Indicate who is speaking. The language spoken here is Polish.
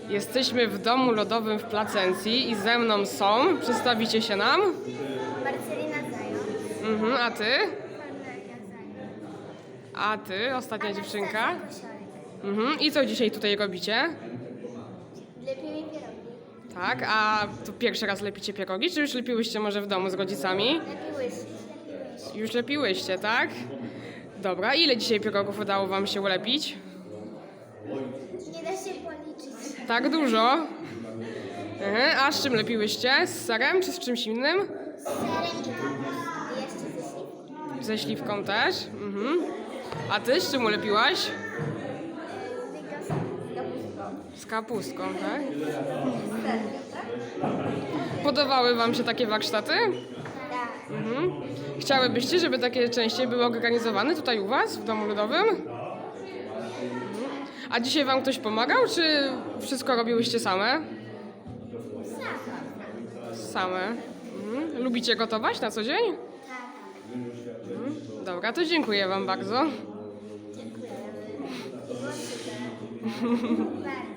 Speaker 1: Jesteśmy w domu lodowym w Placencji i ze mną są. Przedstawicie się nam?
Speaker 2: Marcelina Zając.
Speaker 1: A ty?
Speaker 2: Kornelia Zając.
Speaker 1: A ty, ostatnia dziewczynka?
Speaker 2: Koszarek.
Speaker 1: I co dzisiaj tutaj robicie?
Speaker 2: Lepimy pierogi.
Speaker 1: Tak, a to pierwszy raz lepicie pierogi, czy już lepiłyście może w domu z rodzicami?
Speaker 2: Lepiłyśmy.
Speaker 1: Już lepiłyście, tak? Dobra, ile dzisiaj pierogów udało wam się ulepić?
Speaker 2: Nie da się policzyć.
Speaker 1: Tak dużo? A z czym lepiłyście? Z serem czy z czymś innym?
Speaker 2: Z serem i kapustą. I jeszcze ze śliwką.
Speaker 1: Ze śliwką też? A ty z czym ulepiłaś?
Speaker 2: Tylko z kapustą.
Speaker 1: Z kapustką, tak?
Speaker 2: Z serem, tak?
Speaker 1: Podobały wam się takie warsztaty?
Speaker 2: Tak.
Speaker 1: Chciałybyście, żeby takie częściej były organizowane tutaj u was, w domu ludowym? A dzisiaj wam ktoś pomagał, czy wszystko robiłyście same? Same. Lubicie gotować na co dzień?
Speaker 2: Tak.
Speaker 1: Dobra, to dziękuję wam bardzo.
Speaker 2: Dziękujemy. Było super. Bardzo.